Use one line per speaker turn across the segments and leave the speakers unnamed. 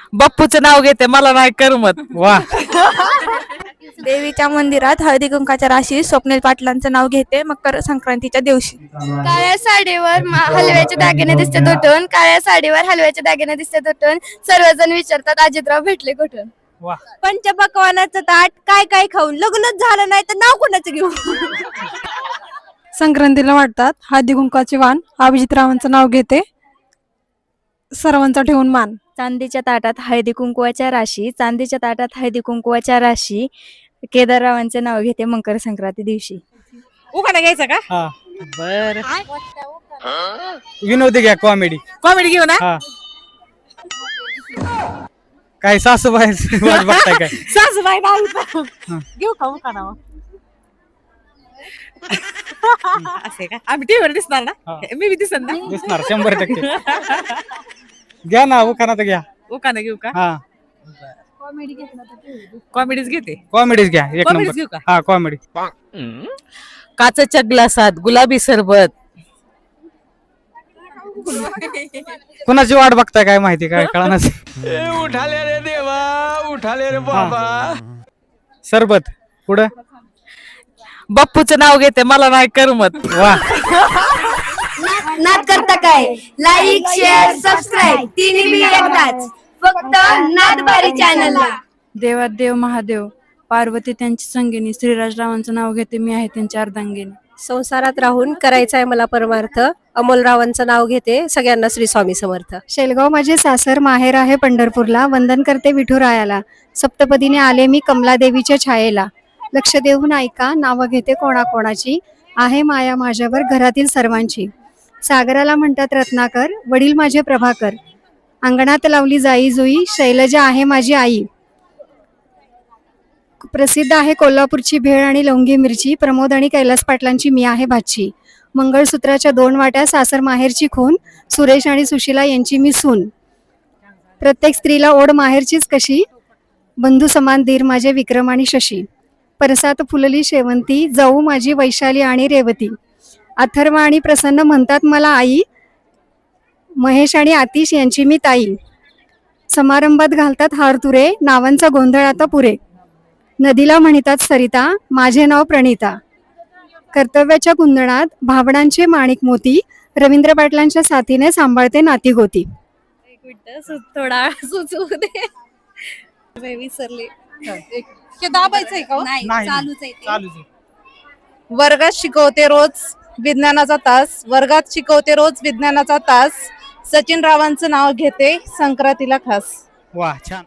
बाप्पूचं नाव घेते मला नाही करमत.
वा.
देवीच्या मंदिरात हळदी कुंकाच्या राशी स्वप्नील पाटलांचं नाव घेते मकर संक्रांतीच्या दिवशी.
काळ्या साडीवर हलव्याचे दागिने दिसते तुटून, काळ्या साडीवर हलव्याचे दागिने दिसते तुटून, सर्वजण विचारतात अजितराव भेटले कुठून.
वा.
पंचपक्वानाचं ताट काय काय खाऊन लग्नच झालं नाही तर नाव कोणाचं घेऊ.
संक्रांतीला वाटतात हळदी कुंकाचे वाण, अभिजितरावांचं नाव घेते सर्वांचा ठेवून मान.
चांदीच्या ताटात हळदी कुंकवाच्या राशी, चांदीच्या ताटात हळदी कुंकवाच्या राशी, केदाररावांचे नाव घेते मकर संक्रांती दिवशी.
उखाणा घ्यायचा का?
हा.
बर
विनोदी घ्या, कॉमेडी.
कॉमेडी घेऊ ना.
हा. काय सासूबाई वाट बघताय काय?
सासूबाई नाही घेऊ का उखाणा? असे का आम्ही टीव्हीवर दिसणार ना.
हा.
मी बी दिसत ना.
दिसणार 100%. घ्या ना उखाणा तर घ्या.
उखाणा घेऊ का?
हा.
कॉमेडीच घेते.
कॉमेडीज घ्या एक
Comedies घेऊ
नंबर.
का?
हा कॉमेडी.
काचेच्या ग्लासात गुलाबी सरबत.
कुणाची वाट बघताय काय माहिती काय कळणार.
उठाले रे देवा, उठाले रे बाबा.
सरबत पुढं.
बाप्पूचं नाव घेते मला नाही करमत.
वा.
नाद करता काय? लाईक शेअर सबस्क्राईब तिन्ही बी एकदाच, फक्त नादबारी चॅनलला.
देवात देव महादेव, पार्वती त्यांची संगिनी, श्रीराजरावांचं नाव घेते मी आहे त्यांच्या अर्धांगिनी.
संसारात राहून करायचा आहे मला परमार्थ, अमोलरावांचं नाव घेते सगळ्यांना श्री स्वामी समर्थ.
शेलगाव माझे सासर, माहेर आहे पंढरपूरला, वंदन करते विठुरायाला, सप्तपदीने आले मी कमलादेवीच्या छायेला. लक्ष देऊन ऐका नावं घेते कोणाकोणाची, आहे माया माझ्यावर घरातील सर्वांची. सागराला म्हणतात रत्नाकर, वडील माझे प्रभाकर, अंगणात लावली जाई जुई, शैलजा आहे माझी आई. प्रसिद्ध आहे कोल्हापूरची भेळ आणि लवंगी मिरची, प्रमोद आणि कैलास पाटलांची मी आहे भाची. मंगळसूत्राच्या 2 वाट्या, सासर माहेरची खून, सुरेश आणि सुशिला यांची मी सून. प्रत्येक स्त्रीला ओढ माहेरचीच कशी, बंधू समान धीर माझे विक्रम आणि शशी. परसात फुलली शेवंती, जाऊ माझी वैशाली आणि रेवती. अथर्व आणि प्रसन्न म्हणतात मला आई, महेश आणि आतिश यांची मी ताई. समारंभात घालतात हार तुरे, नावांचा गोंधळ आता पुरे. नदीला म्हणतात सरिता, माझे नाव प्रणिता. कर्तव्याच्या कुंदणात भावडांचे माणिक मोती, रवींद्र पाटलांच्या साथीने सांभाळते नाती गोती.
थोडा सुचू दे. विसरले.
दाबायचंय का?
नाही.
चालूच आहे ते.
चालूच आहे.
वर्गात शिकवते रोज विज्ञानाचा तास, वर्गात शिकवते रोज विज्ञानाचा तास, सचिन रावांचं नाव घेते संक्रांतीला खास.
वा छान.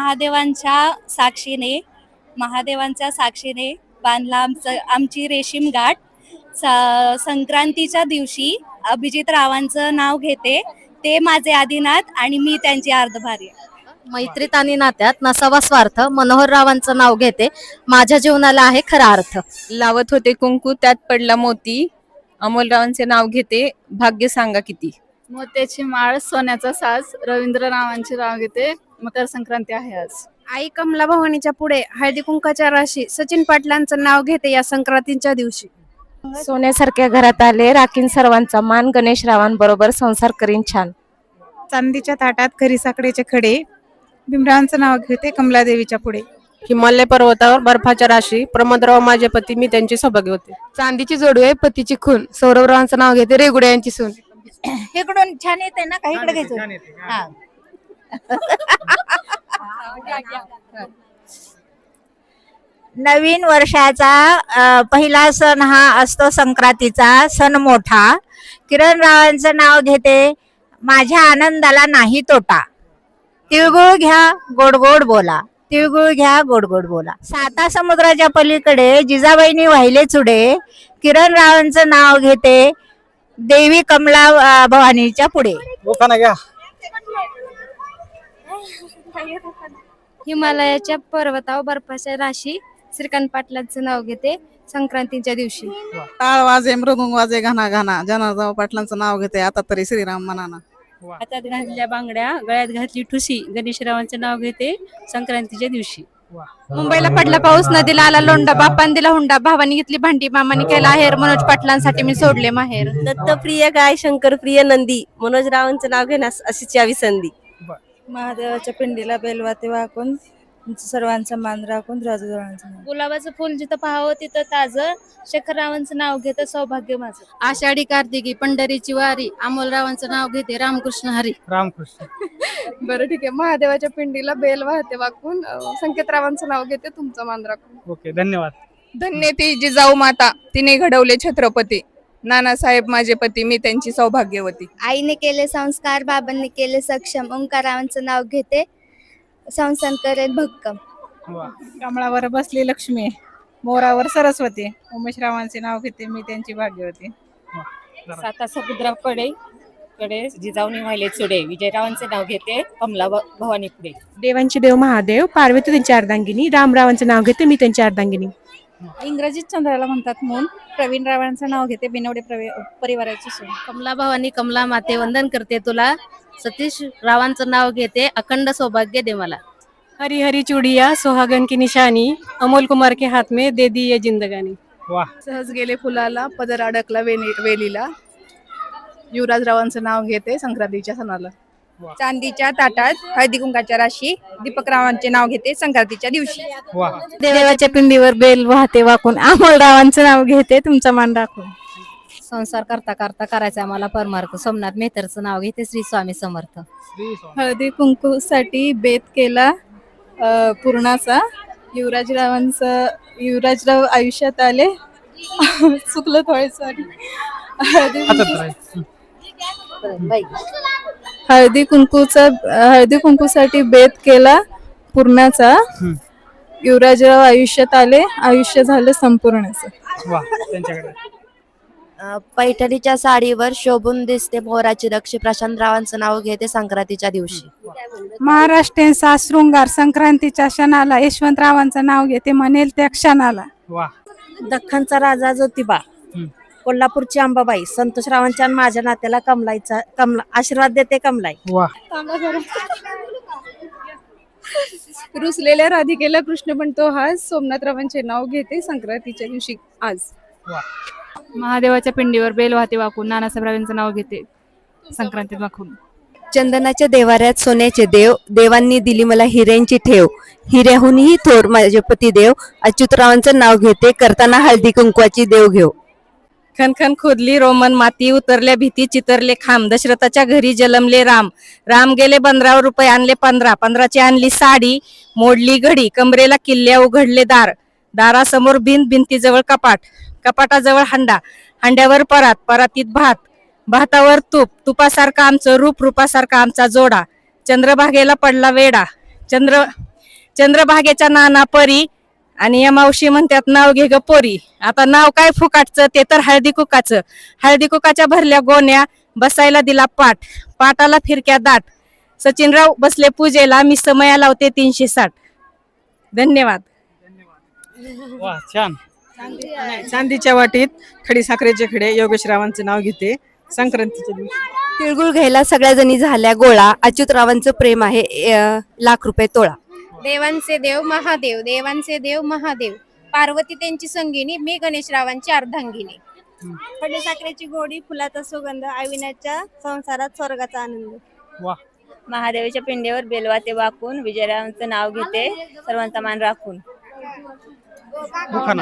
महादेवांच्या साक्षीने बांधला आमची रेशीम गाठ. संक्रांतीच्या दिवशी अभिजित रावांचं नाव घेते, ते माझे आदिनाथ आणि मी त्यांची अर्धभार्य.
मैत्रीत आणि नात्यात नसावा स्वार्थ, मनोहर रावांचं नाव घेते माझ्या जीवनाला आहे खरा अर्थ.
लावत होते कुंकू त्यात पडला मोती, अमोलरावांचे नाव घेते भाग्य सांगा किती.
मोत्याची माळ, सोन्याचा साज, रवींद्र रावांचे नाव घेते मकर संक्रांती आहे आज.
आई कमला भवानीच्या पुढे हळदी कुंकाच्या राशी, सचिन पाटलांचं नाव घेते या संक्रांतीच्या दिवशी.
सोन्यासारख्या घरात आले, राखीन सर्वांचा मान, गणेश रावांबरोबर संसार करीन छान.
चांदीच्या ताटात खरी साखरेचे खडे, भीमरावांचं नाव घेते कमलादेवीच्या पुढे.
हिमालय पर्वतावर बर्फाच्या राशी, प्रमोदराव माझे पती मी त्यांची सौभाग्य होते.
चांदीची जोडू आहे पतीची खून, सौरभरावांचं नाव घेते रेगुडे यांची सून.
इकडून छान येते ना, काही इकडे घ्यायचं.
छान येते.
हा.
नवीन वर्षाचा पहिला सण हा असतो संक्रांतीचा सण मोठा. किरण रावांचं नाव घेते माझ्या आनंदाला नाही तोटा. तिळगुळ घ्या गोड गोड बोला, तिळगुळ घ्या गोड गोड बोला. 7 समुद्राच्या पलीकडे जिजाबाईंनी वाहिले चुडे, किरण रावांचं नाव घेते देवी कमला भवानीच्या पुढे.
उखाणा घ्या.
हिमालयाच्या पर्वतावर बर्फाच्या राशी, श्रीकांत पाटलांचं नाव घेते संक्रांतीच्या दिवशी.
टाळ वाजे मृदुंग वाजे घाना घाना, जनार्दन पाटलांचं नाव घेते आता तरी श्रीराम मनाना.
हातात घातल्या बांगड्या, गळ्यात घातली ठुसी, गणेशरावांचं नाव घेते संक्रांतीच्या दिवशी.
मुंबईला पडला पाऊस, नदीला आला लोंढा, बापान दिला हुंडा, भावानी घेतली भांडी, मामाने केला हेर, मनोज पाटलांसाठी मी सोडले माहेर.
दत्तप्रिय गाय, शंकरप्रिय नंदी, मनोज रावांचं नाव घेण्यास अशीच यावी संधी.
महादेवाच्या पिंडीला बेलवाते वाकून सर्वांचा मान राखून राजूरावांचं नाव.
गुलाबाचं फुल जिथं पाहावं तिथं ताजं, शेखररावांचं नाव घेतं सौभाग्य माझं.
आषाढी कार्तिकी पंढरीची वारी अमोलरावांचं नाव घेते रामकृष्ण हरी.
रामकृष्ण.
बरं ठीक आहे. महादेवाच्या पिंडीला बेल वाहते वाकून संकेतरावांचं नाव घेते तुमचा मान राखून.
ओके, धन्यवाद.
धन्य ती जिजाऊ माता, तिने घडवले छत्रपती. नानासाहेब माझे पती, मी त्यांची सौभाग्यवती.
आईने केले संस्कार, बाबांनी केले सक्षम, ओंकारावांचं नाव घेते संसार करेल भक्कम.
वा.
कमळावर बसली लक्ष्मी, मोरावर सरस्वती, उमेशरावांचे नाव घेते, मी त्यांची भाग्यवती.
साता समुद्राकडे जिजाऊनी वाहिले चुडे, विजयरावांचे नाव घेते कमला भवानी पुढे.
देवांचे देव महादेव, पार्वती त्यांची अर्धांगिनी, रामरावांचे नाव घेते, मी त्यांची अर्धांगिनी. इंग्रजीत चंद्राला म्हणतात मून, प्रवीण रावांचं नाव घेते, बिनवडे परिवाराची सून.
कमला भवानी कमला माते वंदन करते तुला, सतीश रावांचं नाव घेते अखंड सौभाग्य दे मला.
हरी हरी चुडिया सोहागन की निशानी, अमोल कुमार के हाथ में दे दी ये जिंदगानी.
वा.
सहज गेले फुलाला, पदर अडकला वेलीला. युवराजरावांचं नाव घेते संक्रांतीच्या सणाला. चांदीच्या ताटात हळदी कुंकाच्या राशी, दीपकरावांचे नाव घेते संक्रांतीच्या दिवशी.
वा.
देवाच्या पिंडीवर बेल वाहते वाकून अमोलरावांचं नाव घेते तुमचा मान राखून.
संसार करता करता करायचा आम्हाला परमार्थ, सोमनाथ मेहतरचं नाव घेते श्री स्वामी समर्थ.
श्री स्वामी.
हळदी कुंकूसाठी बेत केला पूर्णाचा. युवराजराव आयुष्यात आले. चुकलं थोडं.
हातात राहील.
हळदी कुंकूसाठी बेत केला पूर्णाचा. युवराजराव आयुष्यात आले, आयुष्य झालं संपूर्णाचं.
वा. त्यांच्याकडे.
पैठणीच्या साडीवर शोभून दिसते मोराची रक्षी, प्रशांतरावांचं नाव घेते संक्रांतीच्या दिवशी.
महाराष्ट्राचा शृंगार संक्रांतीच्या क्षणाला, यशवंतरावांचं नाव घेते म्हणेल त्या क्षणाला.
वा.
दख्खनचा राजा ज्योतिबा, कोल्हापूरची अंबाबाई, संतोषरावांच्या आणि माझ्या नात्याला कमला आशीर्वाद देते कमलाई.
वा.
रुसलेल्या राधिकेला कृष्ण म्हणतो हास, सोमनाथरावांचे नाव घेते संक्रांतीच्या दिवशी आज.
वा.
महादेवाच्या पिंडीवर बेल वाहते वाकून नानासाहेबरावांचं नाव घेते संक्रांतीत वाकून.
चंदनाच्या देवाऱ्यात सोन्याचे देव, देवांनी दिली मला हिऱ्यांची ठेव, हिऱ्याहूनही थोर माझे पती देव, अच्युतरावांचं नाव घेते करताना हळदी कुंकवाची देव घेऊ.
खनखन खोदली रोमन माती, उतरल्या भीती चितरले खांब, दशरथाच्या घरी जलमले राम, राम गेले बंदरावर रुपये आणले 15, 15ची आणली साडी, मोडली घडी, कमरेला किल्ल्या उघडले दार, दारासमोर भिंतीजवळ कपाट, कपाटाजवळ हांडा, हांड्यावर परात, परातीत भात, भातावर तूप, तुपासारखा आमचं रूप, रूपासारखा आमचा जोडा, चंद्रभागेला पडला वेडा, चंद्रभागेच्या नाना परी, आणि या मावशी म्हणतात नाव घे ग पोरी. आता नाव काय फुकाटचं, ते तर हळदी कुकाचं, हळदी कुकाच्या भरल्या गोण्या, बसायला दिला पाट, पाटाला फिरक्या दाट, सचिनराव बसले पूजेला, मी समया लावते 360. धन्यवाद.
वा. छान.
चांदीच्या वाटीत खडी साखरेचे खडे, योगेशरावांचं नाव घेते संक्रांतीच्या दिवशी.
तिळगुळ घ्यायला सगळ्या जणी झाल्या गोळा, अच्युतरावांचं प्रेम आहे ₹1,00,000 तोळा.
देवांचे देव महादेव, देवांचे देव महादेव, पार्वती त्यांची संगिनी, मी गणेशरावांची अर्धांगिनी.
खडी साखरेची गोडी, फुलाचा सुगंध, अविनाच्या संसारात स्वर्गाचा आनंद.
वा.
महादेवाच्या पिंडीवर बेलवाते वाकून, विजयरावांचं नाव घेते सर्वांचा मान राखून.
दुखाना.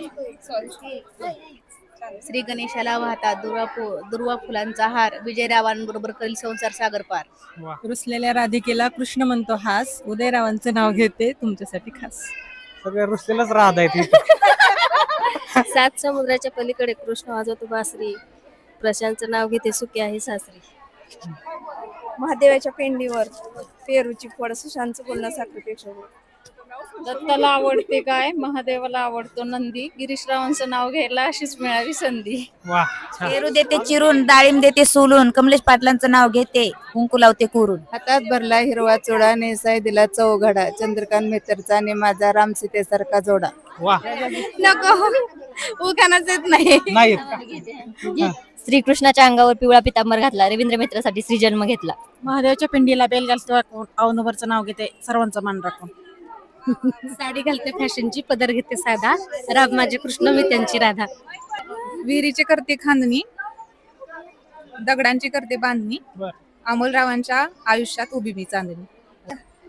श्री गणेशाला वाहता दुर्वा फुलांचा हार, विजयरावांबरोबर करील संसार सागर पार.
वा.
रुसलेल्या राधिकेला कृष्ण म्हणतो हास, उदयरावांचं नाव घेते तुमच्यासाठी खास.
सगळे रुसलेलंच राहत आहेत.
सात समुद्राच्या पलीकडे कृष्ण वाजवतो बासरी, प्रशांतचं नाव घेते सुखी आहे सासरी.
महादेवाच्या पिंडीवर पेरूची फळ, सुशांतचं बोलणं साखरेपेक्षा.
दत्ताला आवडते काय, महादेवाला आवडतो नंदी, गिरीशरावांचं नाव घ्यायला अशीच मिळावी संधी.
वा. छान.
पेरू देते चिरून, डाळिंब देते सोलून, कमलेश पाटलांचं नाव घेते कुंकू लावते कोरून.
हातात भरला हिरवा चोडा, नेसाय दिला चौघडा, चंद्रकांत मेहतरचा आणि माझा राम सीतेसारखा जोडा.
वा.
नको उखाणाच येत नाही.
नाही येत का?
श्रीकृष्णाच्या अंगावर पिवळा पितांबर घातला, रवींद्र मित्रासाठी श्री जन्म घेतला.
महादेवाच्या पिंडीला बेल घालते वाकून, अवनवरचं नाव घेते सर्वांचा मान राखून.
साडी घालते फॅशनची, पदर घेते साधा, राम माझे कृष्ण मी त्यांची राधा.
विहिरीची करते खांदणी, दगडांची करते बांधणी,
बर.
अमोलरावांच्या आयुष्यात उभी मी चांदणी.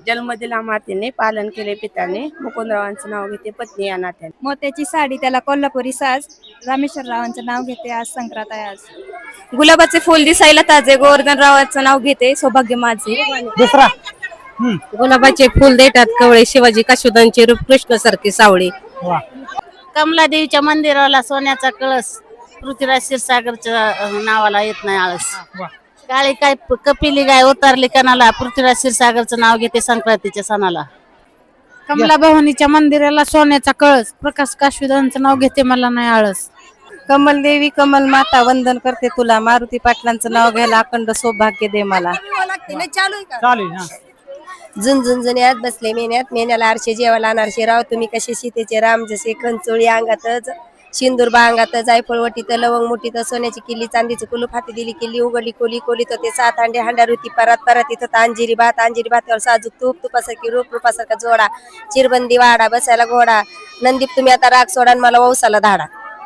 जन्म दिला मातेने, पालन केले पित्याने, मुकुंदरावांचं नाव घेते पत्नी या नात्याने.
मोत्याची साडी त्याला कोल्हापुरी साज, रामेश्वररावांचं नाव घेते आज संक्रांत आहे आज.
गुलाबाचे फुल दिसायला ताजे, गोवर्धनरावांचं नाव घेते सौभाग्य माझे.
दुसरा
गुलाबाचे फुल देतात कवळे, शिवाजी काशुदांचे रूप कृष्ण सारखे सावळे.
वा
कमलादेवीच्या मंदिराला सोन्याचा कळस, पृथ्वीराज क्षीरसागरच्या नावाला येत नाही आळस.
वा
काळी काय कपिली गाय उतरली कणाला, पृथ्वीराज क्षीरसागरचं नाव घेते संक्रांतीच्या सणाला.
कमला भवानीच्या मंदिराला सोन्याचा कळस, प्रकाश काशुदांचं नाव घेते मला नाही आळस. कमल देवी कमल माता वंदन करते तुला, मारुती पाटलांचं नाव घ्यायला अखंड सौभाग्य दे मला.
चालेल हा
झुंझुंझुन्यात बसले मेन्यात, मेन्याला आरशे जेवायला अनारशे राव, तुम्ही कसे सीतेचे राम, जसे खंचोळी अंगातच सिंदूर बांगात, जायफळ लवंग मोठीत, सोन्याची किल्ली चांदीची कुलूप, हाती दिली किल्ली, उघडली कोली कोलीत होते 7 अंडे, हांड्यार होती परात परात, इथं अंजिरी भात, अंजिरी भातावर साजूक तूप, तुपासारखी रूप, रूपासारखा जोडा, चिरबंदी वाडा, बसायला घोडा, नंदीप तुम्ही आता राग सोडा आणि मला वौसाला धाडा.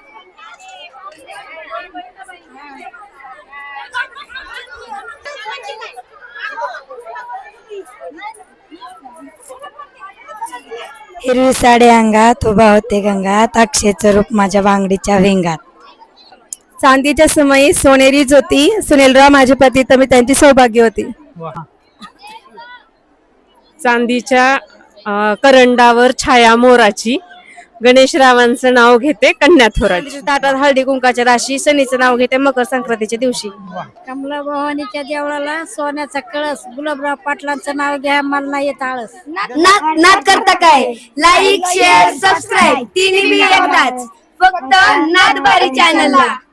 हिरवी साडी अंगात उभा होते गंगात, अक्षयचं रूप माझ्या बांगडीच्या भिंगात.
चांदीच्या समयी सोनेरी ज्योती, सुनीलराव माझे पती तर मी त्यांची सौभाग्य होती.
वा
चांदीच्या करंडावर छाया मोराची, गणेशरावांचं नाव घेते कन्या थोराची. ताटात हळदी कुंकाच्या राशी, शनीचं नाव घेते मकर संक्रांतीच्या दिवशी.
कमला भवानीच्या देवळाला सोन्याचा कळस, गुलाबराव पाटलांचं नाव घ्या मला नाही येत आळस.
नाद करता काय, लाईक शेअर सबस्क्राईब तिन्ही एकदाच, फक्त नादबारी चॅनलला.